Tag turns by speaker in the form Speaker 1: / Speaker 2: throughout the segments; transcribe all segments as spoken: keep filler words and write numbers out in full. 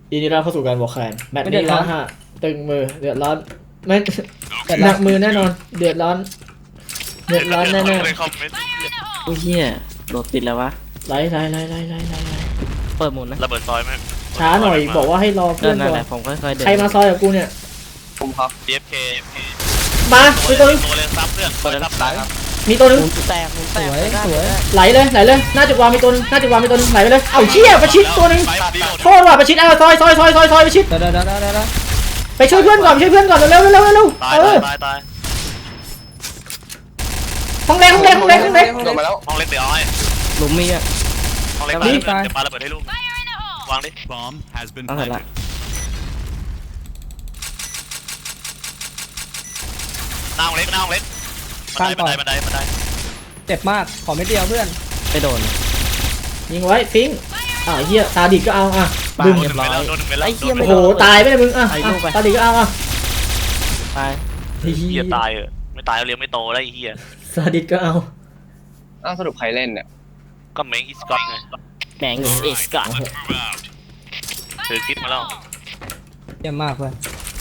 Speaker 1: ยินดีต้อนรับเข้าสู่การบอกแคนแมตช์นี้ร้อนฮะตึงมือเดือดร้อนไม่หนักมือแน่นอนเดือดร้อนเดือดร้อนแน่ๆ
Speaker 2: โอ้ยเฮียโดดติดแล้ววะ
Speaker 1: ไล่ไล่ไล่ไล่ไล่ไล่ไล่
Speaker 2: เปิดหมุนนะ
Speaker 3: ระเบิดซอยไหม
Speaker 1: ช้าหน่อยบอกว่าให้รอเพื่
Speaker 2: เดิ
Speaker 1: อน
Speaker 2: นนั่
Speaker 1: ก่
Speaker 2: น
Speaker 1: อ
Speaker 2: แห
Speaker 1: น
Speaker 2: ละผมค่อยๆเดิน
Speaker 1: ใครมาซอยกับกูเนี่ย
Speaker 4: ผมครับ
Speaker 3: ดี เอฟ เค
Speaker 1: มามีตัวนึง
Speaker 3: ตัวเรียนซับเพื่อนตัวเรียนซับตายครับ
Speaker 1: มีตัวนึง
Speaker 2: หมุนแตกหมุนแตกสวยสวย
Speaker 1: ไหลเลยไหลเลยหน้าจุดวางมีตัวนึงหน้าจุดวางมีตัวนึงไหลไปเลยเอ้าเชี่ยประชิดตัวนึงโทษว่ะประชิดเอาซอยซอยซอยซอยซอยประชิด
Speaker 4: เดี๋ยวเดี๋ยวเดี๋ยวเดี๋ยว
Speaker 1: ไปช่วยเพื่อนก่อนไปช่วยเพื่อนก่อนเร็วเร็วเร็วเร็ว
Speaker 3: ตาย
Speaker 1: เออ
Speaker 3: ตายตาย
Speaker 1: ห้องเล็กห้องเล็กห้องเล็กห้องเล็ก
Speaker 4: ลงมาแล้ว
Speaker 3: ห้องเล็กเดี๋ยวเอาให้
Speaker 2: หลุมมีอ่ะ
Speaker 3: ห้องเล็ก
Speaker 2: นี่
Speaker 3: ตายเดี๋ยวปาระเบิดให้ลูกวางดิ
Speaker 5: Bomb has been
Speaker 2: เอาเสร็จละ
Speaker 5: planted.
Speaker 3: หน้าห้องเล็กหน้าห้องเล็กบันไดบันไดบันไดบันได
Speaker 4: เจ็บมากขอไม่เดียวเพื่อน
Speaker 2: ไปโดน
Speaker 1: ยิงไว้ฟิงอ่าเฮียตาดิก็เอาอ่ะ
Speaker 2: บ้า
Speaker 1: บึ้ม
Speaker 3: โดนหนึ่งไปแล้วโดนหนึ่งไปแล้ว
Speaker 2: ไอ้เหี้ย
Speaker 3: โด
Speaker 2: ไม่
Speaker 3: น
Speaker 1: โอ้
Speaker 3: ห
Speaker 1: โห
Speaker 3: นึ่ง
Speaker 1: ตายไปเลยมึงอ่ะอ่ะตาดิก็เอาอ่ะ
Speaker 2: ไป
Speaker 1: เฮี
Speaker 3: เหี้
Speaker 1: ย
Speaker 3: ยตายเออไม่ตายเรียงไม่โตแล้วไอ้เหี้ย
Speaker 1: ตาดิก็เอา
Speaker 4: อ้าวสรุปใครเล่นเนี่ย
Speaker 3: ก็เมงอีสกอตไง
Speaker 2: แม่งเอสกัด
Speaker 3: ถือคิดมาแล้ว
Speaker 4: เยี่ยมมากเพื่อน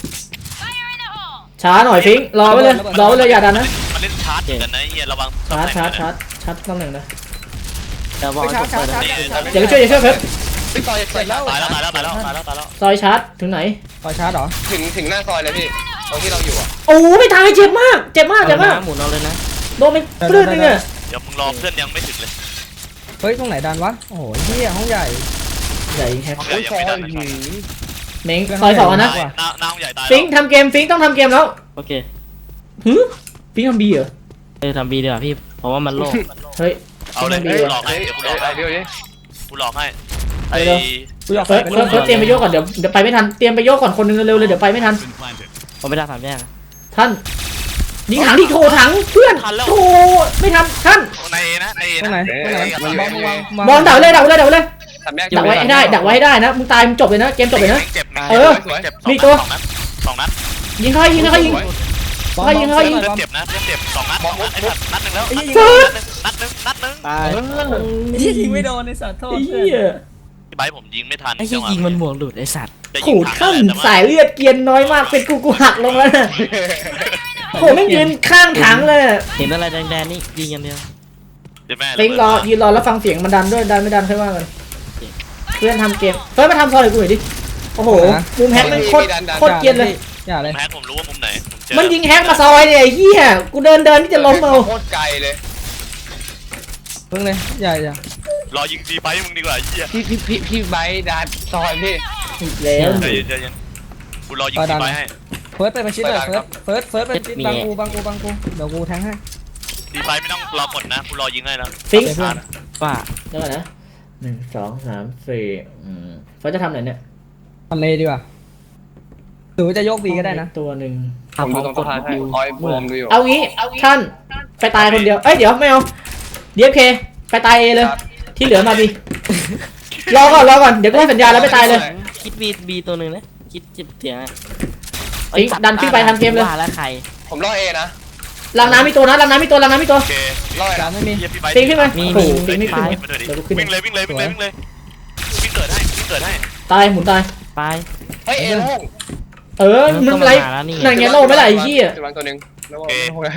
Speaker 1: ช้าหน่อยฟิงรอไว้เลยรอไว้เลยอย่าดันนะ
Speaker 3: มันเล่นชาร์จกันนะไอ้เหี้ยระวัง
Speaker 1: ชาร์จชาร์จชาร์จชาร์จตำแหน่งนะ
Speaker 2: เดี๋ยวบอกให้ผมเปิดนะ
Speaker 1: เดี๋ยวไปช่วยเดี๋ยวช่วยเพิ่ม
Speaker 4: พี่ซอยเสร็จแล้ว
Speaker 3: ตายแล้วตายแล้วตายแล้วตายแล้วตายแล้ว
Speaker 1: ซอยชาร์จถึงไหน
Speaker 4: ซอยชาร์จเหรอถึงถึงหน้าซอยเลยพี่ตรงที่เราอยู่อ่ะ
Speaker 1: โอ้ไม่ตายเจ็บมากเจ็บมาก
Speaker 2: เอา
Speaker 1: เจ็บ
Speaker 2: เลย
Speaker 1: มาก
Speaker 2: นะหมุนเอาเลยนะ
Speaker 1: โดนไปปลื้ดนึงอ่ะ
Speaker 3: เดี๋ยวมึงรอเพื่อนยังไม่ถึงเลย
Speaker 4: เฮ้ยตรงไหนดันวะโอ้โหเฮียห้องใหญ่
Speaker 1: ใหญ่แฮก
Speaker 3: ห้องใหญ่ยังไม่ดันเลย
Speaker 1: เม้งซอยสองนะ
Speaker 3: หน้าหน้าห้องใหญ่ตาย
Speaker 1: ฟิงทำเกมฟิงต้องทำเกมแล้ว
Speaker 2: โอเค
Speaker 1: หืฟิงทำบีเหรอ
Speaker 2: เออทำบีดีกว่าพี่เพราะว่ามันโล่ง
Speaker 1: เฮ้ย
Speaker 3: เอาเลย
Speaker 1: ต้องมี
Speaker 3: หลอกให้เดี๋ยวกูหลอกให้
Speaker 4: เดี๋ยวดิ
Speaker 3: กูหลอกให้ไอ้
Speaker 4: กูอยาก
Speaker 1: เฟิร์สเฟิร์สเฟิร์สเตรียมไปโยกก่อนเดี๋ยวเดี๋ยวไปไม่ทันเตรียมไปโยกก่อนคนนึงเร็วๆเลยเดี๋ยวไปไม่ทัน
Speaker 5: Been planted.
Speaker 2: ผมไม่ได้สามแยก
Speaker 1: ท่านยิงถังที่โถถังเพื่อนโถไม่ทำท่าน
Speaker 3: ในเอนะในเอ
Speaker 4: ตรงไหน
Speaker 3: นะ
Speaker 4: ตรงไหนบอลวาง
Speaker 1: บอลดักไว้เลยดักไว้เลยดักไว้เลย
Speaker 4: สามแยก
Speaker 1: ดักไว้ให้ได้ดักไว้ให้ได้นะมึงตายมึงจบเลยนะเกมจบเลยนะ
Speaker 3: เจ็บนะ
Speaker 1: เออ
Speaker 3: เจ็บ
Speaker 1: มีตัว
Speaker 3: สองนัดสองนัด
Speaker 1: ยิงเขาให้ยิงเขาให้ยิง
Speaker 4: บอล
Speaker 1: ให้ยิงให้ยิง
Speaker 3: เพื่อนเจ็บนะเพื่อนเจ็บสองนัดสองนัดไอ้สัตว์นัดหนึ่งแล้ว
Speaker 1: เฟิร์ส
Speaker 3: นัดหนึ่งนัดหนึ่ง
Speaker 2: ตาย
Speaker 4: ที่ยิงไม่โดนในสัตว์โทษ
Speaker 1: ไอ้
Speaker 4: เพื่
Speaker 1: เหี้ย
Speaker 3: พี่ไบร์ทผมยิงไม่ทัน
Speaker 2: ไอ้เหี้ยยิงมันหมวกหลุดไอ้สัตว์
Speaker 3: จะยิ
Speaker 1: ขู
Speaker 3: ง
Speaker 1: ด
Speaker 3: ถั
Speaker 1: ขั้น
Speaker 3: ง
Speaker 1: สายเลือดเกียนน้อยมากเป็นกูกูหักลงแล้วนะโหไม่งยืนข้างถังเลย
Speaker 2: เห็นอะไรแดงๆนี่ยิงกันเดียว
Speaker 3: เดี๋ยวแม่
Speaker 1: ฟิงรอยืนรอแล้วฟังเสียงมันดันด้วยดันไม่ดันค่อยว่ากันเพื่อนทำเกมเฟิร์สมาทำซอยให้กูหน่อยดิโอ้โหมุมแฮกมันโคตรโคตรเกรียนเลย
Speaker 4: อย่าเลย
Speaker 3: แพ้ผมรู้ว่ามุมไหนผมเจอ
Speaker 1: มันยิงแฮกมาซอยเนี่ยไอ้เหี้ยกูเดินเดินที่จะล้มเอา
Speaker 4: โคตรไกลเลยเพิ่งเลยอย่าอย่าร
Speaker 3: อยิงดีไบร์ทมึงดีกว่าไอ้เหี้ย
Speaker 4: พี่พี่พี่พี่ไบดันซอยพี่
Speaker 1: อีกแล้ว
Speaker 3: ใจเย็นใจเย็นกูรอยิงดีไบร์ทให้
Speaker 4: เฟิร์สไปมาชิดเลยเฟิร์สเฟิร์สเฟิร์สไปชิดบังกูบังกูบังกูเดี๋ยวกูแทงให้
Speaker 3: ดีไบร์ทไม่ต้องรอกดนะกูรอยิงให้แล้ว
Speaker 1: ฟิง
Speaker 4: เพื่อน
Speaker 2: ว่า
Speaker 1: เดี๋ยวก่อนนะหนึ่งสองสามสี่อืมเฟิร์สจะทำไหนเนี่ย
Speaker 4: ทำเลดีกว่าหรือว่าจะโยกบีก็ได้นะ
Speaker 1: ตัวหนึ่ง
Speaker 4: ผมดูตรงสะพานให้คอยบวมดูอยู่
Speaker 1: เอางี้ท่านไปตายคนเดียวเอ้ยเดี๋ยวไม่เอาดีเอฟเคไปตายเอเลยที่เหลือมาบีรอก่อนรอก่อนเดี๋ยวกูให้สัญญาแล้วไปตายเลย
Speaker 2: คิดบีบีตัวหนึ่งนะคิดเจ็บเสียงอะ
Speaker 1: ฟิงดันขึ้นไปทำเกมเลย
Speaker 2: ว่าแล้วใคร
Speaker 4: ผมรอเอนะ
Speaker 1: ลังน้ำมีตัวนะลังน้ำมีตัวลังน้ำมีตัว
Speaker 3: โอเค
Speaker 4: รอการไม่มี
Speaker 3: เหี้ยพี่ไบร์ท
Speaker 1: ฟิงขึ้นมา
Speaker 2: มี
Speaker 1: โอ้โห
Speaker 2: มี
Speaker 1: ฟิงไม่ขึ้น
Speaker 3: วิ่งมาด้วยดิ
Speaker 1: เดี๋ยวกูขึ้น
Speaker 3: วิ่งเลยวิ่งเลยวิ่งเลยวิ่งเลยวิ่งเกิดให้วิ่งเกิดให้
Speaker 1: ตายหมุนตาย
Speaker 2: ไป
Speaker 4: เฮ้ยเอโล่ง
Speaker 1: เออมันไรนั่นไงโล่ไม่ไหลไอ้เหี้ย
Speaker 4: จุดวางตัวหนึ่งแล้วก็โอเค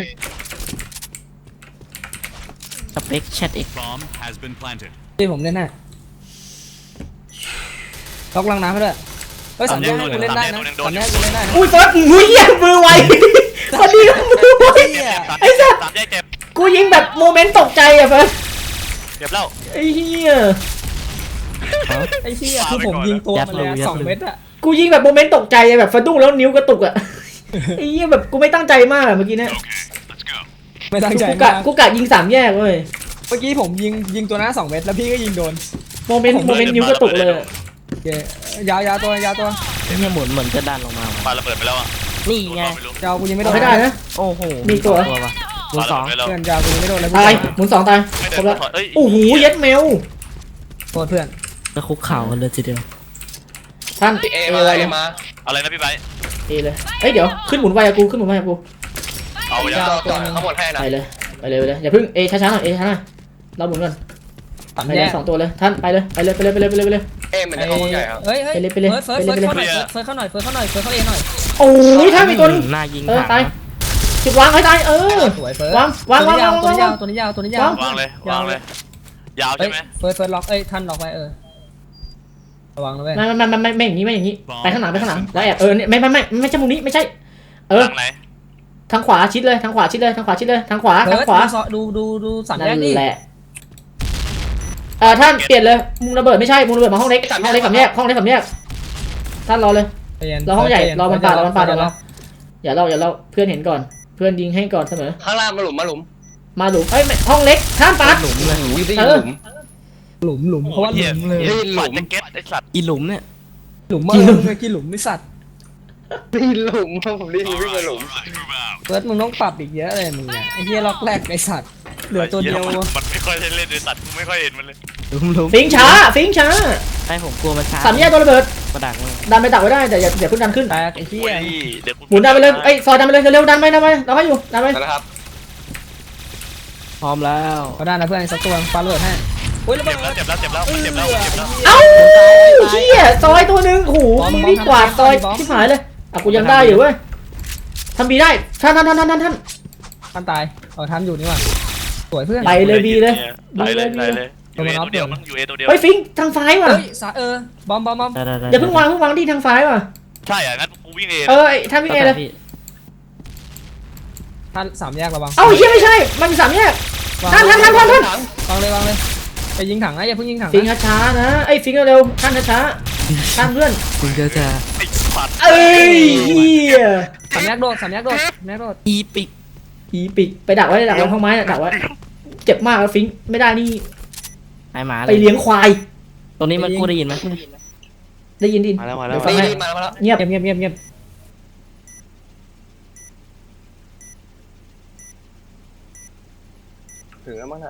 Speaker 2: สเปคแชทเอ็ก
Speaker 5: Bomb has been planted.
Speaker 4: ที่ผมเล่นให้ล็อกลังน้ำให้ด้วยเฮ้ยสามแยกกูเล่นได้นะสามแยกกูเล่นได้นะ
Speaker 1: อุ้ยเฟิร์สอุ้ยเหี้ยมือไวพอดีก็มือไว ไอ้สัตว์
Speaker 3: สามแยกเจ็บ
Speaker 1: กูยิงแบบโมเมนต์ตกใจอะเฟิร์ส
Speaker 3: เจ็บแล้ว
Speaker 1: ไอ้เหี้ย
Speaker 4: ไอ้เหี้ยคือผมยิงตัวมาเลยสองเม็ดอะ
Speaker 1: กูยิงแบบโมเมนต์ตกใจอะแบบสะดุ้งแล้วนิ้วกระตุกอะไอ้เหี้ยแบบกูไม่ตั้งใจมากอะเมื่อกี้เนี่ย
Speaker 5: Let's go.
Speaker 4: ไม่ตั้งใจ
Speaker 1: กู
Speaker 4: มาก
Speaker 1: ะกูกะยิงสามแยกเว้ย
Speaker 4: เมื่อกี้ผมยิงยิงตัวหน้าสองเม็ดแล้วพี่ก็ยิงโดน
Speaker 1: โมเมนต์โมเมนต์นิ้วกระตุกเลย
Speaker 4: โอเคยาวยาวตัวยาวตัว
Speaker 2: เนี่ยหมุนเหมือนจะดันลงมา
Speaker 3: ปาระเบิดไปแล้วอ่ะ
Speaker 2: นี่ไง
Speaker 3: ไม่รู้
Speaker 4: ยาวกูยิงไม่โด
Speaker 1: เอา
Speaker 4: น
Speaker 1: ให้ได้นะ
Speaker 2: โอ้โห
Speaker 1: มีตัว
Speaker 2: สองว่ะหมุน
Speaker 3: ปา
Speaker 2: ส
Speaker 3: ระ
Speaker 2: อง
Speaker 3: เบิดไปแล้ว
Speaker 4: เพื่อนยาวกูยิงไม่โดนเลย
Speaker 1: ตายหมุนสองตาย
Speaker 3: ไม่
Speaker 1: คร
Speaker 3: เดิ
Speaker 1: บ
Speaker 3: น
Speaker 1: แล้ว
Speaker 3: ถอยเอ้ย
Speaker 1: โอ้โหเย็ดเมล
Speaker 4: โทษเพื่อน
Speaker 2: แล้วคุกเข่ากันเลยทีเดียว
Speaker 1: ท่าน
Speaker 4: เอ
Speaker 1: เอ
Speaker 4: มา
Speaker 1: เลย
Speaker 4: เอมา
Speaker 3: อะไรนะพี่ไบร์ท
Speaker 1: เอเลยเอ้ยเดี๋ยวขึ้นหมุนไวกับกูขึ้นหมุนไวกับกู
Speaker 3: เอาอย่าย
Speaker 4: าวตัวทั้งหมดให้นะ
Speaker 1: ไปเลยไปเลยไปเลยอย่าเพิ่งเอช้าๆหน่อยเอช้าๆหน่อยเราหมุนก่อน
Speaker 4: สาม
Speaker 1: ไป
Speaker 4: แย
Speaker 1: เลย
Speaker 4: ก
Speaker 1: สองตัวเลยท่านไปเลยไปเลยไปเลยไปเลยไปเลยไปเลย
Speaker 4: เอ
Speaker 6: อ้มันจะเข้าห้องใหญ่ครับ
Speaker 4: เฮ้ยเฮ้ย
Speaker 1: ไปเลยไปเลย
Speaker 4: เฟิร์สเฟิร์ส
Speaker 1: ไปเลย
Speaker 4: เฟิร์สเข้าหน่อยเฟิร์สเข้าหน่อยเฟิร์สเข้าหน่อยเฟิร์สเข้าเอหน่อย
Speaker 1: โอ้ยถ้ามีตัวนึง
Speaker 2: หน้ายิง
Speaker 1: เออ
Speaker 2: ถัง
Speaker 1: ตาย
Speaker 2: นะ
Speaker 1: จุดวางให้ตายเออ
Speaker 4: สวยเฟิร์ส
Speaker 1: วางวางวางวาง
Speaker 4: ตัวนี้ยาว
Speaker 1: วาง
Speaker 4: ตัวนี้ยาวตัวนี้ยาว
Speaker 1: วาง
Speaker 3: วางเลยวางเลย ยาว
Speaker 4: เฮ้
Speaker 3: ใช่
Speaker 4: ย
Speaker 3: ไหม
Speaker 4: เฟิร์สเฟิร์สล็อกเอ้ยท่านล็อกไว้เออระวังนะเว้ย
Speaker 1: ไม่ไม่ไม่ไม่ไม่อย่างนี้ไม่อย่างนี้ไปข้างหลังไปข้างหลังแล้วแอบเออเนี่ยไม่ไม่ไม่ไม่ใช่มุมนี้ไม่ใช่ เออ
Speaker 3: ทางไหน
Speaker 1: ทางขวาชิดเลยทางขวาชิดเลยทางขวาชิดเลยทางขวา
Speaker 4: เฟิ
Speaker 1: ทาง
Speaker 4: ร์ส
Speaker 1: ขวา
Speaker 4: ดูดูดูสามแย
Speaker 1: นั่
Speaker 4: ก
Speaker 1: น
Speaker 4: ดิ
Speaker 1: แหละเออท่านเปลี่ยนเลยมุมระเบิดไม่ใช่มุมระเบิดมาห้องเล็กห้องเล็กสามแยกห้องเล็กสามแยกท่านรอเลย
Speaker 4: ใจเย็น
Speaker 1: รอห้องใหญ่รอมันปาดรอมันปาด
Speaker 4: เดี๋ยว
Speaker 1: รอ อย่าเราอย่าเราเพื่อนเห็นก่อนเพื่อนยิงให้ก่อนเสมอ
Speaker 6: ข้างล่างมาหลุมมาหลุม
Speaker 1: มาหลุมเอ้ยไม่ห้องเล็กท่านปาด
Speaker 2: หลุมเลย
Speaker 6: หลุมได้
Speaker 1: เอ
Speaker 6: ยิน
Speaker 1: อ
Speaker 6: หลุม
Speaker 4: หลุมหลุมเพราะว่าหลุมเลย
Speaker 6: ได้ยินห
Speaker 3: ห
Speaker 6: ลุ
Speaker 3: ลุ
Speaker 6: ม
Speaker 3: มจะเก็ตไอสัตว์
Speaker 2: อีหลุมเนี่ย
Speaker 4: หลุมเมื่อกี้หลุมไม่สัตว์
Speaker 6: ได้ยินหลุมผมได้ยินวิ่งมาหลุม
Speaker 4: เฟิร์สมึงต้องปรับอีกเยอะเลยมึงเนี่ยไอ้เหี้ยล็อกแรกไอ้สัตว์เหลือตัวเดียว
Speaker 3: มันมันไม่ค่อยได้เล่นไอสัตว์กูไม่ค่อยเห็นมันเลย
Speaker 2: หลุมหลุม
Speaker 1: ฟิงช้าฟิงช้า
Speaker 2: ให้ผมกลัวมันช้า
Speaker 1: สามแยกตัวระเบิด
Speaker 2: กระดักเลย
Speaker 1: ดันไปดักไว้ได้แต่อย่าอย่าเพิ่งดันขึ้น
Speaker 4: แตกไอ้เหี้
Speaker 3: โอ้
Speaker 4: ย
Speaker 3: ยเดี๋ยวกู
Speaker 1: หมุนดันไปเลยไอ้ยซอยดันไปเลยเร็วๆดันไปดันไปเราให้อยู่ดันไป
Speaker 6: นะครับ
Speaker 2: พร้อมแล้ว
Speaker 4: เขาได้นะเพื่อนสักตัวปาระเบิดให้อุ้ยระเบิ
Speaker 3: เจ็
Speaker 4: ด
Speaker 3: บแล้วเจ็บแล้วเจ็บแล้วเจ็บแล้วเจ็บแล้ว
Speaker 1: เอ้าเฮียซอยตัวหนึงโอ้โหมึงนี่กวาดซอยชิบหายเลยอ่ะกูยังได้อยู่เว้ยทำบีได้ท่านท่านท่านท่านท่านท่าน
Speaker 4: ท่านตายเออท่านอยู่นี่ว่ะสวยเพื่อน
Speaker 1: ไปเลยบีเลย
Speaker 3: ไปเลย
Speaker 1: บี
Speaker 3: ไป
Speaker 1: เลย
Speaker 3: เลยยูเอตัวเดียวมั้งยูเอตัวเดียว
Speaker 1: เฮ้ยฟิงทางซ้ายว่ะ
Speaker 4: เฮ้ยสาเออบอมบอมบอม
Speaker 2: ได้ได้ได้
Speaker 1: อย่าเพิ่งวางเพิ่งวางที่ทางซ้ายว่ะ
Speaker 3: ใช่อ่ะงั้นกูวิ่งเอง
Speaker 1: เออไอ้ท่านวิ่งเองเลย
Speaker 2: พี่
Speaker 4: ท่านสามแยกระวัง
Speaker 1: เอ้าเฮียไม่ใช่มันมีสามแยก
Speaker 4: วาง
Speaker 1: ท่านท่านท่านท่านท่าน
Speaker 4: วางเลยวางเลยไปยิงถังนะอย่าเพิ่งยิงถัง
Speaker 1: ฟิง
Speaker 4: นะ
Speaker 1: ช้าๆนะไอ้ยฟิงเร็วๆท่านช้าๆท่านเพื่อน
Speaker 2: คุณจะจะ
Speaker 3: ไอ้สัตว์
Speaker 1: เอ้ยเฮีย
Speaker 4: สามแยกโดดสามแยกโดดสามแยกโดด
Speaker 2: อีปิก
Speaker 1: ผีปิกไปดักไว้ดักไว้ห้องไม้น่ะดักไว้เจ็บมากแล้วฟิงไม่ได้นี่
Speaker 2: ไอหมาเล
Speaker 1: ไป
Speaker 2: ย
Speaker 1: เลี้ยงควาย
Speaker 2: ตรงนี้มันกูได้ยินไหม
Speaker 1: ได้ยินดิ
Speaker 3: มาแล้วมาแล้ว
Speaker 1: เดี๋ยวฟัง
Speaker 6: นี่
Speaker 1: ให้
Speaker 6: นี่มาแล้วมาแล้ว
Speaker 1: เงียบ
Speaker 4: เงียบเงียบเงียบเงียบ
Speaker 6: ถึงแล้วมั้งน่ะ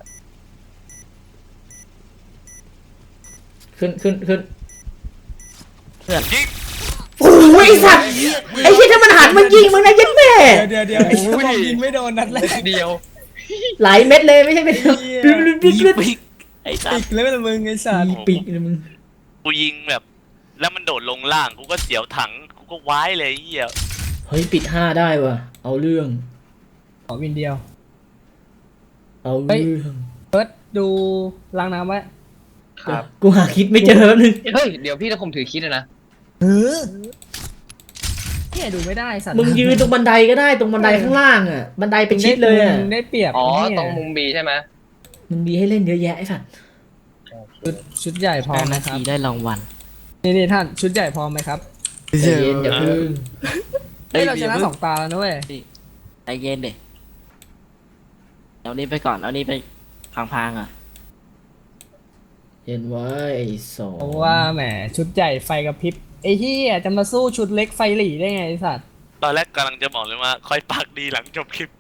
Speaker 1: ขึ้นขึ้นขึ้น
Speaker 3: ยิง
Speaker 1: โอ้ยไอ้สัตว์ไอ้เหี้ยถ้ามันหันมันยิงมึงนะยัดแม่
Speaker 4: เดี๋ยวเดี๋ยวเดี๋ยวไอ้เหี้ยยิงไม่โดนนัดแรก
Speaker 6: เดียว
Speaker 1: หลายเม็ดเลยไม่ใช่เม็ดเดียว
Speaker 4: เหี้ย
Speaker 1: ปิ๊บปิ๊บ
Speaker 2: อี
Speaker 1: ปิ๊บปิ๊บ
Speaker 2: ปิกไอ้สั
Speaker 4: ปิ
Speaker 2: ส
Speaker 4: กเลยไม่ละมึงไอ้สัตว์
Speaker 1: ปีกเลยมึง
Speaker 3: กูยิงแบบ แล้วมันโดดลงล่างกูก็เสียวถังกูก็ว้ายเลยไอ้เหี้ย
Speaker 1: เฮ้ยปิดห้าได้ว่ะเอาเรื่อง
Speaker 4: ขอวินเดียว
Speaker 1: เอาเรื่อง
Speaker 4: เฟิร์สดูล้างน้ำไว้
Speaker 6: ครับ
Speaker 1: กูหาคิดไม่เจอแป๊บนึง
Speaker 6: เฮ้ยเดี๋ยวพี่ถ้าผมถือคิดนะ
Speaker 4: เออเนี่ยดูไม่ได้สัตว์
Speaker 1: มึงยืนตรงบันไดก็ได้ตรงบันไดข้างล่างอ่ะบันไดเป็นชิดเลยอ่ะ
Speaker 4: มึงได้เปรียบ
Speaker 6: อ๋อ
Speaker 4: ไเหี้ย
Speaker 6: ตรงมุมบีใช่ไหม
Speaker 1: มึงมีให้เล่นเยอะแยะไอ้สัตว์
Speaker 4: ชุดชุดใหญ่พร้อ
Speaker 2: ห้าม นา
Speaker 4: นะครั
Speaker 2: ที
Speaker 4: บ
Speaker 2: ได้รางวัล
Speaker 4: นี่นี่ท่านชุดใหญ่พร้อมไหมครับ
Speaker 1: ใจเย็นอย่าเพึ่ง
Speaker 4: เฮ้ยเราชนะสองตาแล้วนะเว้ย
Speaker 2: ใจเย็นเด็เอานี้ไปก่อนเอานี้ไปพังๆอ่ะ
Speaker 1: เย็นไว้ไอ้สอง
Speaker 4: เพราะว่าแหมชุดใหญ่ไฟกระพริบไอ้เหี้ยจะมาสู้ชุดเล็กไฟหลีได้ไงไอ้สัตว์
Speaker 3: ตอนแรกกำลังจะบอกเลยว่าค่อยปากดีหลังจบคลิป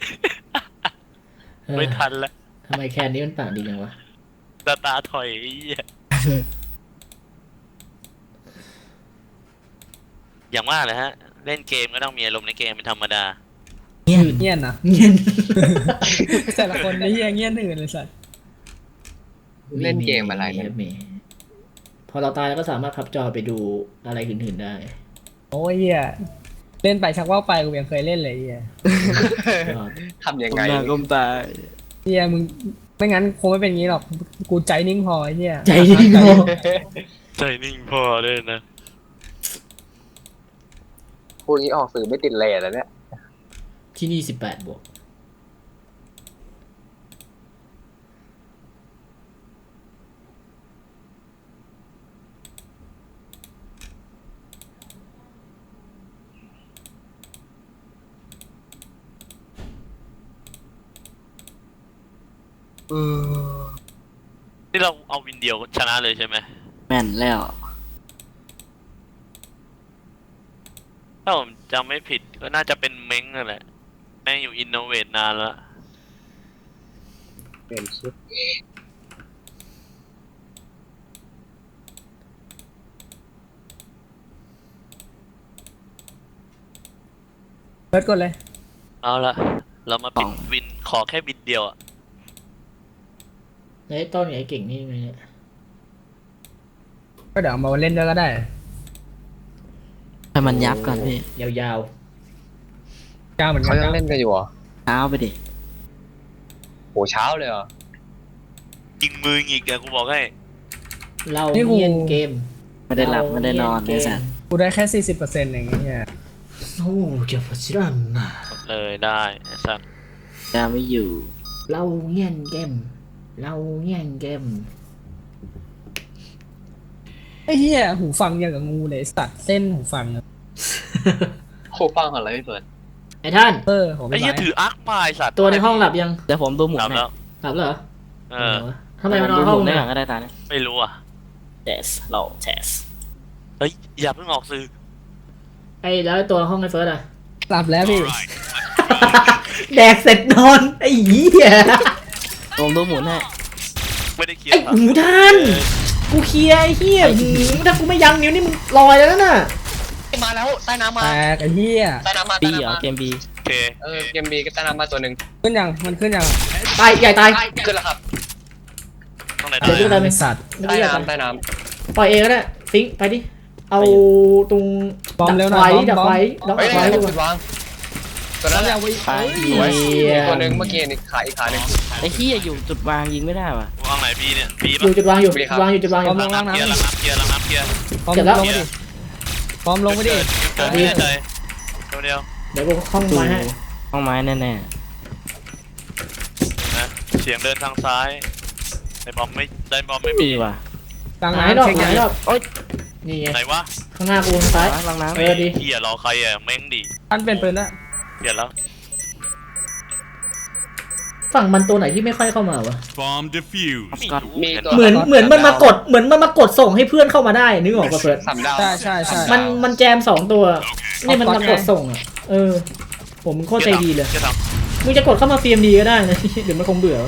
Speaker 1: เออ
Speaker 3: ไม่ทันแล้ว
Speaker 1: ทำไมแคนนี้มันปากดีจังวะ
Speaker 3: ตาตาถอยไอ้เหี้ยอย่างว่าเลยฮะ เล่นเกมก็ต้องมีอารมณ์ในเกมเป็นธรรมดา
Speaker 2: เงี้ย
Speaker 4: เงี้ยนนะ
Speaker 1: เงียน
Speaker 4: แต่ละคนไอ้เหี้ยเงี้ยนอื่นเลยสัตว์
Speaker 6: เล่นเกมอะไรเนี่ย
Speaker 1: มีพอเราตายเราก็สามารถพับจอไปดูอะไรอื่นๆได้
Speaker 4: โอ้ยเหี้ยเล่นไปชักว่าวไปกูยังเคยเล่นเลยไอ้เหี้ย
Speaker 1: ยอด
Speaker 6: ทำยัง
Speaker 2: ก้ม
Speaker 6: ไง
Speaker 2: หน้าก้มตา
Speaker 4: เหี้ยมึงไม่งั้นคงไม่เป็นอย่างนี้หรอกกูใจนิ่งพอไอ้เหี้ย
Speaker 1: ใจดีพอ
Speaker 3: ใจนิ่งพอเลยนะ
Speaker 6: พูดงี้ออกสื่อไม่ติดเลทแล้วเนี่ย
Speaker 1: ที่นี่สิบแปดบวก
Speaker 3: ที่เราเอาวินเดียวชนะเลยใช่ไหม
Speaker 2: แม่นแล้ว
Speaker 3: ถ้าผมจำไม่ผิดก็น่าจะเป็นเม้งนั่นแหละแม่งอยู่อินโนเวทนานแล้ว
Speaker 6: เป็นชุด
Speaker 4: เปิดกดเลย
Speaker 3: เอาละเรามาปิดวินขอแค่วินเดียวอะ
Speaker 1: แล้วไอ้ต้นกับไอ้เก่งนี่ไงเนี่ย
Speaker 4: ก็เดี๋ยวเอามาเล่นด้วยก็ได้
Speaker 2: ให้มันยับก่อนพี่
Speaker 1: ยาว
Speaker 4: กล้าเหมือนกั
Speaker 6: เขา
Speaker 4: น
Speaker 6: ยังเล่นกันอยู่เหรอ
Speaker 2: เท้าไปดิ
Speaker 6: โหเช้าเลยเหรอ
Speaker 3: ยิงมืออีกเดี๋ยวกูบอกให้
Speaker 1: ๆเราเงียนเกม
Speaker 2: ไม่ได้หลับไม่ได้นอนเลยสัตว์
Speaker 4: กูได้แค่สี่สิบเปอร์เซ็นต์เองเนี่ย
Speaker 1: โอ้เจ้าพระเจ้านะ
Speaker 3: เลยได้ไอ้สัตว์
Speaker 2: จะไม่อยู่
Speaker 1: เราเงียนเกม เราเงียนเกม
Speaker 4: ไอ้เหี้ยหูฟังอย่างกับงูเลยสัตว์เส้นหูฟังอะ
Speaker 6: โคฟังอะไรพี่เปิด
Speaker 1: ไอ้ท่าน
Speaker 4: เออผม
Speaker 3: ไอ้
Speaker 4: ไม่
Speaker 3: เหี้ย
Speaker 4: ไหว
Speaker 3: ถืออาร์คมาไอ้สัตว์
Speaker 1: ตัวในห้องหลับยัง
Speaker 2: เดี๋ยวผมดูหมุน
Speaker 3: หลับ
Speaker 2: ให้
Speaker 3: แล้ว
Speaker 1: หลับแล้วเหรอ
Speaker 3: เออ
Speaker 1: ทำไมมันน
Speaker 2: ดู
Speaker 1: อน
Speaker 2: ห
Speaker 1: ห้อ
Speaker 2: มุ
Speaker 1: ง
Speaker 2: นได้
Speaker 1: เนี่ย
Speaker 2: ก่อนก็ได้ตาเนี่ย
Speaker 3: ไม่รู้อ่ะ
Speaker 2: เทสเราเทส
Speaker 3: เฮ้ยอย่าเพิ่งออกสื่อ
Speaker 1: ไอ้แล้วตัวห้องไอ้เฟิร์สอะ
Speaker 4: หลับแล้วพี่
Speaker 5: Alright,
Speaker 1: แดกเสร็จนอนไอ้เหี้ย
Speaker 2: ผมดูหมุนให้
Speaker 3: ไม่ได้เคลีย
Speaker 1: ไอ้
Speaker 3: ร์ครับ
Speaker 1: หูท่านกูเคลียร์ไอ้เหี้ยหืมถ้ากูไม่ยั้งนิ้วนี่มึงลอยแล้วน่ะ
Speaker 6: มาแล้วใต้น้ำมา
Speaker 4: แตกไอ้เหี้ย
Speaker 6: ใต้น้ำมา
Speaker 2: บี
Speaker 6: ใต้
Speaker 2: เหรอ
Speaker 6: น้ำมา
Speaker 2: เกมบี
Speaker 3: โอเค
Speaker 6: เออเกมบีก็ใต้น้ำมาตัวหนึ่ง
Speaker 4: ขึ้นยังมันขึ้นยัง
Speaker 1: ตายใหญ่ตาย
Speaker 6: ขึ้นแล้วครับ
Speaker 3: ต้องไหน
Speaker 1: เดี๋ยวดู
Speaker 3: ได้
Speaker 1: ตายไหม
Speaker 4: ไอ้สัตว์
Speaker 1: ไม่
Speaker 6: ใต้
Speaker 1: ได้ตาย
Speaker 6: น้ำใต้น้
Speaker 1: ปล่อยเองก็ได้ฟิงค์ไปดิเอาตรง
Speaker 4: บอมเร็วหน่
Speaker 1: ไฟ
Speaker 4: อย
Speaker 1: ดับไฟ
Speaker 4: บอม
Speaker 6: ำ
Speaker 1: ดับ
Speaker 6: เฮ้ย
Speaker 1: ไฟ
Speaker 6: ได้
Speaker 1: ดี
Speaker 6: ผม
Speaker 1: ก
Speaker 6: จุด
Speaker 1: ว่าว
Speaker 6: างตัวนั้นแหละ
Speaker 2: ไป
Speaker 1: เหี้ย
Speaker 6: ตัวหนึ่งเมื่อกี้นี่ขาอีกขาหนึ่ง
Speaker 2: ไอ้เหี้ยอยู่จุดวางยิงไม่ได้ว่ะ
Speaker 3: วางไหนบีเนี่ยบี
Speaker 1: อ
Speaker 3: ปะ
Speaker 1: ยู่จุดวางอยู่
Speaker 6: ดีครับ
Speaker 1: วางอยู่จุดวางอยู่
Speaker 4: บอม
Speaker 3: ล้างน้ำเคลียร์ล้างน้ำเคลียร์ล้างน้ำเคลียร์
Speaker 4: บอม
Speaker 1: เสร็จ
Speaker 4: ล
Speaker 1: แล้ว
Speaker 4: งไปดิบอมลงไปดิ
Speaker 3: เกิดไม่ได้ใจตัวเดียว
Speaker 1: เดี๋ยวกูเข้า
Speaker 2: ดู
Speaker 1: มาให้
Speaker 2: ห้องไม้แน่
Speaker 3: นะเสียงเดินทางซ้ายในบอมไม่ได้บอมไม่
Speaker 2: ๆ
Speaker 3: มี
Speaker 2: บีว่ะ
Speaker 4: กลาง
Speaker 1: หายรอบ
Speaker 4: น้ำเช็ค
Speaker 1: หา
Speaker 4: ยัง
Speaker 1: ยรอบ
Speaker 2: โอ๊ย
Speaker 1: นี่ไง
Speaker 3: ไหนวะ
Speaker 1: ข้างหน้ากูทางซ้าย
Speaker 2: ล้างน้ำ
Speaker 1: เออดี
Speaker 3: เฮียรอใครอ่ะเม้งดิ
Speaker 4: ท่านเป็นปืนละ
Speaker 3: เปลี่ยนแล้ว
Speaker 1: ฝั่งมันตัวไหนที่ไม่ค่อยเข้ามาวะ
Speaker 5: bomb defused.
Speaker 6: มีตัว
Speaker 1: เหมือนเหมือนมันมากดเหมือนมันมากดส่งให้เพื่อนเข้ามาได้นึกออกปะเฟิร์ส
Speaker 6: สามดาว
Speaker 4: ใช่ใช่ใช่
Speaker 1: มันมันแจมสองตัวนี่มัน
Speaker 4: เอาก๊อต
Speaker 1: มากดส่งอ่ะเออผมมึงโคตรใจดีเลย
Speaker 3: จะท
Speaker 1: มึงจะกดเข้ามา ซี เอ็ม ดี ก็ได้นะ เดี๋ยวมันคงเบื่อ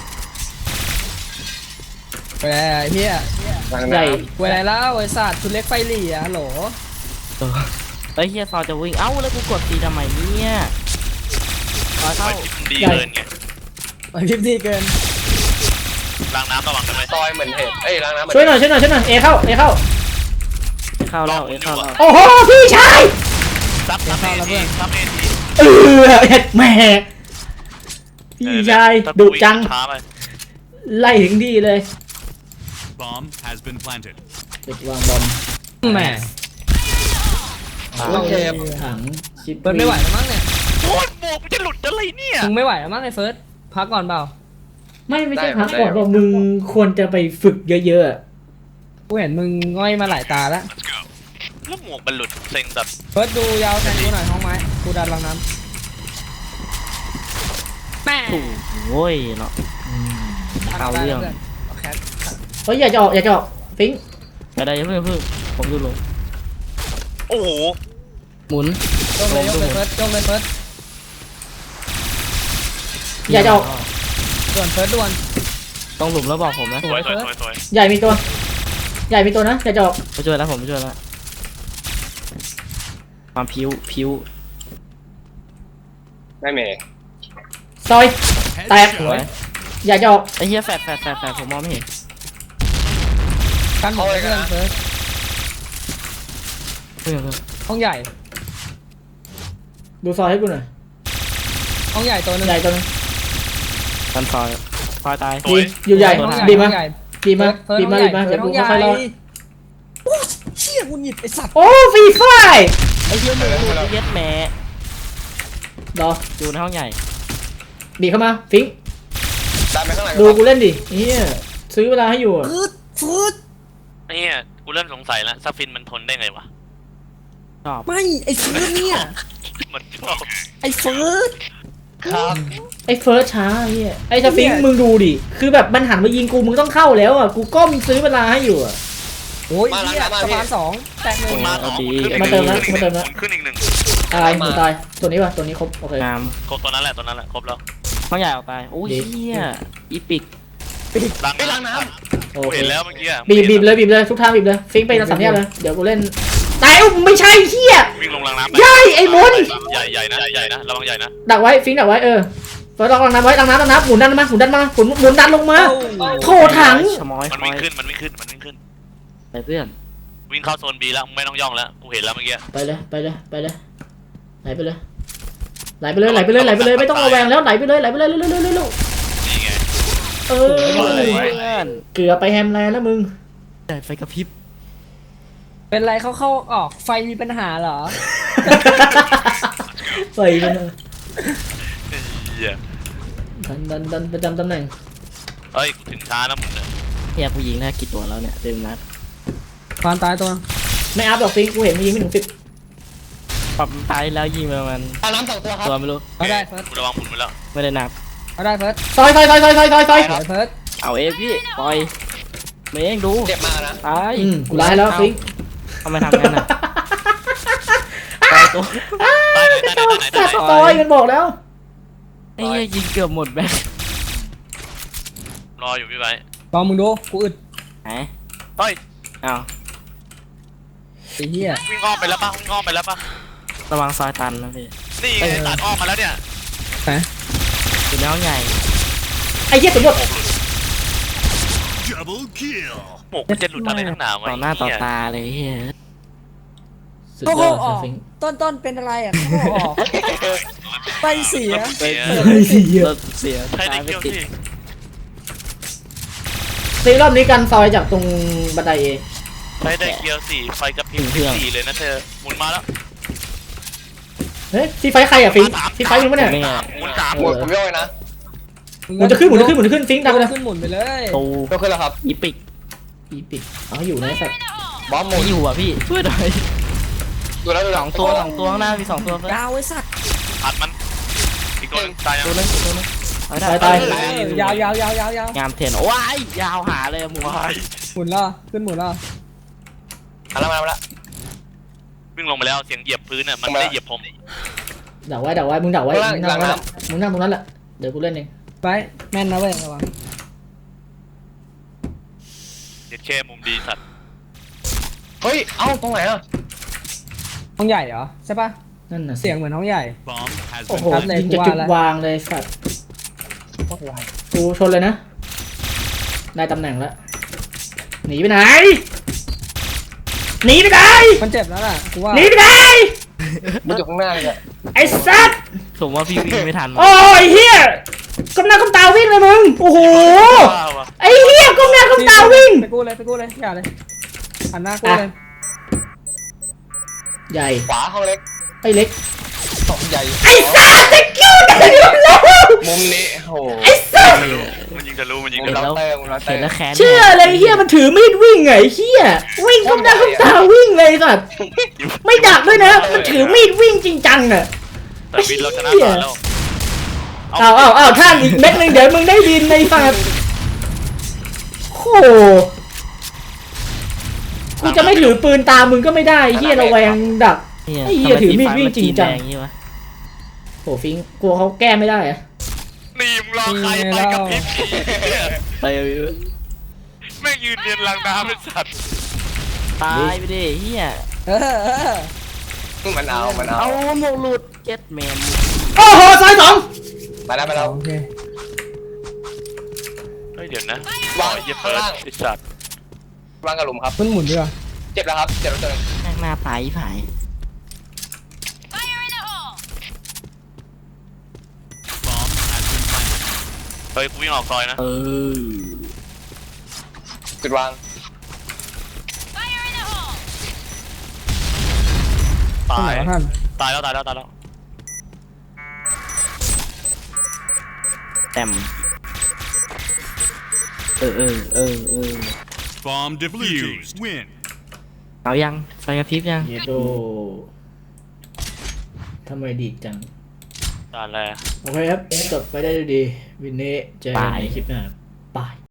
Speaker 4: ไปแล้วไอ้เหี้ย
Speaker 6: ทาง
Speaker 1: ใหญ่
Speaker 6: น้ำ
Speaker 4: ไปแล้วแล้วไอ้สัตว์คุณเล็กไฟหลี่อะฮัลโหล
Speaker 2: เฮ้ยเฮียซอจะวิ่งเอ้าแล้วกูกดตีทำไมเนี่ยซอ
Speaker 3: ำ
Speaker 2: เข้า
Speaker 3: ไปที่มันดี
Speaker 1: ใหญ่
Speaker 3: เกินไง
Speaker 4: ไปพิมพ์ดีเกิน
Speaker 3: ล้างน้ำระวังกันไหม
Speaker 6: ซอยเหมือนเห็ดเอ้ยล้างน้ำเหมือน
Speaker 1: ช่วยหน่อยช่วยหน่อยช่วยหน่อยเอเข้าเอเข้า
Speaker 2: เข้าแล้วเอ้ยเข้าแล้ว
Speaker 1: โอ้โหพี่ชาย
Speaker 3: ซับซับเอทีซับเอที
Speaker 1: เออเอ็ดแหม่พี่ชายดุจัง
Speaker 3: ช้าไป
Speaker 1: ไล่ถึงที่เลย
Speaker 5: Bomb has been planted.
Speaker 1: จุดวางบอม
Speaker 4: แหม
Speaker 1: โอเคถังชิป
Speaker 4: เฟิร์สไม่ไหวแล้วมั้งเนี่ย
Speaker 3: โอ้ยหมวกมันจะหลุดอะไรเนี่ย
Speaker 4: มึงไม่ไหวแล้วมั้งไอ้เฟิร์สพักก่อนเปล่า
Speaker 1: ไม่ไม่ใช่พักก่อนว่ามึงควรจะไปฝึกเยอะๆอะ
Speaker 4: กูเห็นมึงง่อยมาหลายตาแล้ว
Speaker 5: Let's go.
Speaker 3: แล้วหมวกมันหลุดเซ็งแบบ
Speaker 4: เฟิร์สดูยาวแทนกูหน่อยห้องไม้กูดันลังน้ำแม่
Speaker 2: โอ้ยเนาะ เอาเรื่อง
Speaker 4: โอเค
Speaker 1: เฮ้ยอย่าจะออกอย่าจะออกฟิงค์
Speaker 2: ไปได้ยังเพิ่งเพิ่งผมดูลง
Speaker 3: โอ้โห
Speaker 2: หมุน
Speaker 4: ยกเลยยกเลยเฟิร์สยกเลยเฟิร์ส
Speaker 1: อย่าจะออก
Speaker 4: ด่วนเฟิร์สด่วน
Speaker 2: ต้องหลุมแล้วบอกผมนะ
Speaker 3: สวยสวยสวยสวย
Speaker 1: ใหญ่มีตัว ใหญ่มีตัวนะอย่าจะออก
Speaker 2: ไปช่วยแล้วผมไปช่วยแล้วความผิวผิว
Speaker 6: ไม่เมย์
Speaker 1: ซอยแตก
Speaker 2: สวย
Speaker 1: อย่าจะออก
Speaker 2: ไอ้เหี้ยแฟดแฟดแฟดแฟดผมมองไม่เห็น
Speaker 4: กันหมดเลยเพื่อนเฟิร์ส
Speaker 2: เพิ่งเพิ่ง
Speaker 4: ห้องใหญ่
Speaker 1: ดูซอยให้กูหน่อย
Speaker 4: ห้องใหญ่ตัวหนึง
Speaker 1: ใหญ่ตัวนึง
Speaker 2: กันซอยซอยตาย
Speaker 3: สวย
Speaker 1: อยู่ใหญ่
Speaker 4: ห้อง
Speaker 1: บีมา
Speaker 4: ห้องใหญ่
Speaker 1: บีมา
Speaker 4: เฟิร์ส
Speaker 1: บีมา
Speaker 4: ห้องให
Speaker 1: บี
Speaker 4: ญ่
Speaker 1: มาเดี๋ยว
Speaker 4: ห้
Speaker 1: กู
Speaker 4: องใหญ่
Speaker 1: ค่อยๆรอด
Speaker 4: โอ้เชี่ยกูหยิบไอ้สัตว์
Speaker 1: โอ้ฟรีไฟ
Speaker 2: ไอ้เหี้ยหมูไอ้เหี้ยแหม่
Speaker 1: รอ
Speaker 2: อยู่ในห้องใหญ่
Speaker 1: บีเข้ามาฟิงค์
Speaker 6: ดันไปข้างหลัง
Speaker 1: ดูกูเล่นดิเฮียซื้อเวลาให้อยู่อะ
Speaker 4: ฟืดฟืด
Speaker 3: เนี่ยกูเริ่มสงสัยแล้วซัฟฟินมันทนได้ไงวะ
Speaker 2: ชอบ
Speaker 4: ไม่ไอ้ฟืดเนี่ย
Speaker 3: มันชอบ
Speaker 4: ไอ้ฟืด
Speaker 6: ครับ
Speaker 1: ไอ้เฟิร์สช้าไอ้เหี้ยไอ้สฟิงค์มึงดูดิคือแบบมันหันมายิงกูมึงต้องเข้าแล้วอ่ะกูก้มซื้อเวลาให้อยู่อ่ะ
Speaker 4: โอ้ยเหี้ยสะพานสองแตกหนึ่ง
Speaker 3: มาสอง
Speaker 1: มาเติมนะมาเติมนะ
Speaker 3: ขึ้นอีกหนึ่ง
Speaker 1: ตายหนูตายตัวนี้ป่ะตัวนี้ครบโอเค
Speaker 2: งาม
Speaker 3: ครบตัวนั้นแหละตัวนั้นแหละครบแล้ว
Speaker 2: ห้องใหญ่ออกไปโอ้ย
Speaker 1: ดี
Speaker 2: เหี้ยอีปิก
Speaker 3: ล้างล้างน้
Speaker 1: โอ
Speaker 3: ำกู
Speaker 1: เค
Speaker 3: เห็นแล้วเมื่อกี้อะ
Speaker 1: บีบบีบเลยบีบเลยทุกทางบีบเลยฟิงค์ไปสามแยกเลยเดี๋ยวกูเล่นตายอุ๊ยไม่ใช่เฮีย
Speaker 3: วิ่งลงล้างน้ำไป
Speaker 1: ใหญ่ไอ้บน
Speaker 3: ใหญ่ใหญ่นะใหญ่นะระวังใหญ่นะ
Speaker 1: ดักไว้ฟิงค์ดักไว้เออเฟิร์สลองน้ำไว้ลังน้ำลังน้ำหมุนดันมาหมุนดันมาหมุนหมุนดันลงมา โถถัง
Speaker 2: ชะมอย
Speaker 3: มัน
Speaker 2: ชะมอ
Speaker 3: วิ่ง
Speaker 2: ย
Speaker 3: ขึ้นมันวิ่งขึ้นมันวิ่งขึ้น
Speaker 2: ไปเพื่อน
Speaker 3: วิ่งเข้าโซนบีแล้วไม่ต้องย่องแล้วกูเห็นแล้วเมื่อกี้
Speaker 1: ไปเลยไปเลยไปเลยไหลไปเลยไหลไปเลยไหลไปเลยไหลไปเลยไม่ต้องระแวงแล้วไหลไปเลยไหลไปเลยเร็วเร็วเร็วเร็ว
Speaker 3: นี่ไง
Speaker 1: เออ
Speaker 2: เพื่อน
Speaker 1: เกือบไปแฮมแลนด์แล้วมึง
Speaker 2: ได้ไฟกระพริบ
Speaker 4: เป็นไรเขาเข้าออกไฟมีปัญหาเหรอ
Speaker 1: ใส่มัน
Speaker 3: เหี้ย
Speaker 1: ดันดันดันประจำตำแหน่ง
Speaker 3: เอ้ยกูถึงช้านะมึงเนี่ย
Speaker 2: เฮียผู้หญิงได้กี่ตัวแล้วเนี่ยเต็มนัด
Speaker 4: ฟานตายตัว
Speaker 1: ไม่อัพหรอกฟิงกูเห็นมึงยิงไม่ถึงสิบ
Speaker 2: ปรับตายแล้วยิงประมาณ
Speaker 6: เอาน้ำสองตัวครับ
Speaker 2: ตัวไม่รู้
Speaker 4: เอาได้เฟิร์ส
Speaker 3: กูระวังหมุนไว้แล้ว
Speaker 2: ไม่ได้นับ
Speaker 4: เอาได้เฟิร์ส
Speaker 1: ซอยซอยซอยซอยซอยซอยซอย
Speaker 4: เอาเฟิร์ส
Speaker 2: เอาเองพี่ปล่อยเมงดู
Speaker 6: เจ็บมากนะ
Speaker 2: ตาย
Speaker 1: อืมกูร้ายแล้วฟิง
Speaker 2: ทำไมทำงั้นอ่ะปล่อยตัว
Speaker 3: ตายไหนตายไหนตายไหน
Speaker 1: สั
Speaker 3: ตายไหน
Speaker 1: ตว์ซอยมันบอกแล้ว
Speaker 2: ไอ้เหี้ยยิงเกือบหมดแบ็ค
Speaker 3: รออยู่พี่ไบ
Speaker 4: ลองมึงดูกูอึด
Speaker 2: ไหน
Speaker 3: เฮ้ย
Speaker 2: เอา
Speaker 4: ไอ้เหี้ย
Speaker 3: วิ่งอ้อมไปแล้วป่ะวิ่งอ้อมไปแล้วป่ะ
Speaker 2: ระวังซอยตันนะพี่
Speaker 3: นี่ไงตัดอ้อมมาแล้วเนี่ย
Speaker 2: อยู่ในห้องใหญ่
Speaker 1: ไอ้เหี้ยตัวหมด
Speaker 5: Double kill.
Speaker 3: หมกจะหลุดอะไรทั้งหนาวไง
Speaker 2: ต่อหน้าต่อตาเลยเฮีย
Speaker 1: สุด
Speaker 4: โอ้
Speaker 1: ย
Speaker 4: โห
Speaker 1: อด
Speaker 4: ออก
Speaker 1: ฟิง
Speaker 4: ต้นต้นเป็นอะไรอ่ะโอ้โหออกไฟเสีย
Speaker 3: เสีย
Speaker 1: เฮ้ยเหี้ย
Speaker 2: รถเสีย
Speaker 3: ใช่ได้
Speaker 2: ตายไม่
Speaker 3: เกี่ยว
Speaker 2: ติด
Speaker 3: ที่
Speaker 1: ฟิงรอบนี้กันซอยจากตรงบันไดเอ
Speaker 3: ใช้ได้เกียวสี่ไฟกระพริบสี่เลยนะเธอหมุนมาแล้ว
Speaker 1: เฮ้ยซีไฟใครอ่ะฟิงซีไฟมึงปะเนี่ย
Speaker 2: ไม่ไง
Speaker 3: หมุนสาม
Speaker 6: หมดผมย่อยนะ
Speaker 1: หมุนจะขึ้นหมุนจะขึ้นหมุนจะขึ้นฟิงดังไปเลย
Speaker 4: ขึ้นหมุนไปเลย
Speaker 2: ตู
Speaker 6: ก็ขึ้นแล้วครับ
Speaker 2: อีปิก
Speaker 1: อีปิดเอาอยู่นะสัตว์
Speaker 6: บอมหม
Speaker 2: ไม่
Speaker 6: ด
Speaker 2: อยู่อ่ะพี่ช่วยหน่อย
Speaker 6: ดูแล้วดู
Speaker 2: ส
Speaker 6: แล้ว
Speaker 2: องตัวสองตัวข้างหน้ามีสองตัวเพื่อน
Speaker 4: ยาวไอ้สัตว์
Speaker 3: อัดมันอีกตัวนึงตายยัง
Speaker 2: ตัวนึงตัวนึงเอาให้ได้
Speaker 1: ตาย
Speaker 4: เออยาวยาวยาวยาวยาว
Speaker 2: งามเทนโอ้ยยาวหาเลยหมู
Speaker 3: วาย
Speaker 4: หมุนแล้วขึ้นหมุนแล้ว
Speaker 6: มาแล้วมาแล้ว
Speaker 3: วิ่งลงไปแล้วเสียงเหยียบพื้นอ่ะมันไม่ได้เหยียบผม
Speaker 1: ดักไว้ดักไว้มึงดักไว้มึงนั่งไว้มึงนั่งตรงนั้นแหละเดี๋ยวกูเล่นเอง
Speaker 4: ไปแม่นนะเว้ยระวัง
Speaker 3: เด็ดแค่มุมดีสัตว์
Speaker 6: เฮ้ย เอ้าตรงไหนอ่ะ
Speaker 4: ห้องใหญ่เหรอใช่ปะ
Speaker 1: นั่นน่ะ
Speaker 4: เสียงเหมือนห้องใหญ่
Speaker 5: Bomb has
Speaker 1: โอ้
Speaker 5: been
Speaker 1: โห
Speaker 4: ครับเลย
Speaker 1: ยิงจะ
Speaker 4: กูว่า
Speaker 1: จุด
Speaker 4: แล้ว
Speaker 1: วางเลยสัตว์กูชนเลยนะได้ตำแหน่งแล้วหนีไปไหนหนีไปไหน
Speaker 4: มันเจ็บแล้วล่ะกูว่า
Speaker 1: หนีไปไหน
Speaker 6: มันอยู่ข้างหน้าเลยอ่ะ
Speaker 1: ไอ้สัตว์
Speaker 2: ผมว่าพี่วิ่งไม่ทัน
Speaker 1: โอ้ยเฮียก้มหน้าก้มตาวิ่งเลยมึงโอ้โห
Speaker 3: ว้าวว่ะ
Speaker 1: ไอ้เฮียก้มหน้าก้มตาวิ่ง
Speaker 4: ไปกู้เลยไปกู้เลยอย่าเลยหันหน้ากู้เลย
Speaker 1: ใหญ่
Speaker 6: ขวาห้องเล็ก
Speaker 1: ไอ้เล็ก
Speaker 6: สองใหญ่
Speaker 1: ไอ้สัตว์ตะกิ้วได้แล้ว
Speaker 6: มุมนี้โอ้โห
Speaker 1: ไอ้สัตว์
Speaker 3: มันยิงทะลุมันยิง
Speaker 6: มุ
Speaker 3: ทะ
Speaker 6: ม
Speaker 3: ลุ
Speaker 6: เราเตอร์มุมเราเตอ
Speaker 2: เห็น
Speaker 6: ร์
Speaker 2: แล้วแค้น
Speaker 1: เชื่อเลยเฮียมันถือมีดวิ่งไงเฮียวิ่งก้มหน้าก้มตาวิ่งเลยสัตว์ไม่ดักด้วยนะมันถือมีดวิ่งจริงจังอ่ะ
Speaker 3: แต่วินเราชนะก่อนแล้ว
Speaker 1: อ้าวอ้าวอ้าวท่านอีกเม็ดหนึงเดี๋ยวมึงได้บินในสัตว์โอ้โหกูจะไม่ถือปืนตามมึงก็ไม่ได้เฮียระแวงดัก ไอ้เหี้ยถือมีดวิ่งจริงจัง
Speaker 2: ทำไมสีฟ้ามันจีนแดอย่างงี้วะ
Speaker 1: โหฟิงกลัวเขาแก้ไม่ได้อะ
Speaker 3: นี่มึงรอใครไปกับพริบเนี่ย
Speaker 2: ไปเอาอยู่
Speaker 3: แม่งยืนเรียนลังน้ำเป็นสัตว์
Speaker 2: ตายไปดิเฮีย
Speaker 4: เออเออ
Speaker 6: มันเอามันเอา
Speaker 2: เอาหมวกหลุดเจ็ดแมน
Speaker 1: โอ้โหซอยสอง
Speaker 6: มาแล้วมาแล้ว
Speaker 4: โอเค
Speaker 3: เฮ้ยเดี๋ยวนะ
Speaker 6: วาง
Speaker 3: เย็บ
Speaker 6: ข้าง
Speaker 3: เปิด
Speaker 6: ล่าง
Speaker 3: ไอ้สัตว์
Speaker 6: วางกระหลุมครับ
Speaker 4: ขึ้นหมุนดีกว่า
Speaker 6: เจ็บแล้วครับ เจ็บแล้วตัวหนึง
Speaker 2: แม่งหน้าตายอีผาย
Speaker 5: Bomb has been planted.
Speaker 3: เฮ้ยกูวิ่งออกซอยนะ
Speaker 2: เออ
Speaker 6: จุดวาง
Speaker 3: ตา
Speaker 4: ข้างไหน
Speaker 3: ยว
Speaker 4: ะท่าน
Speaker 3: ตายแล้วตายแล้วตายแล้ว
Speaker 2: แต้มเออเออเออเออ
Speaker 5: Bomb defused. Win.
Speaker 2: เอายังไฟกระพริบยัง
Speaker 1: เยโดทำไมดีจัง
Speaker 3: ตายแล้ว
Speaker 1: โอเคครับจบไปได้ด้วยดีวินนี้เจอกันในคลิปหน้าบาย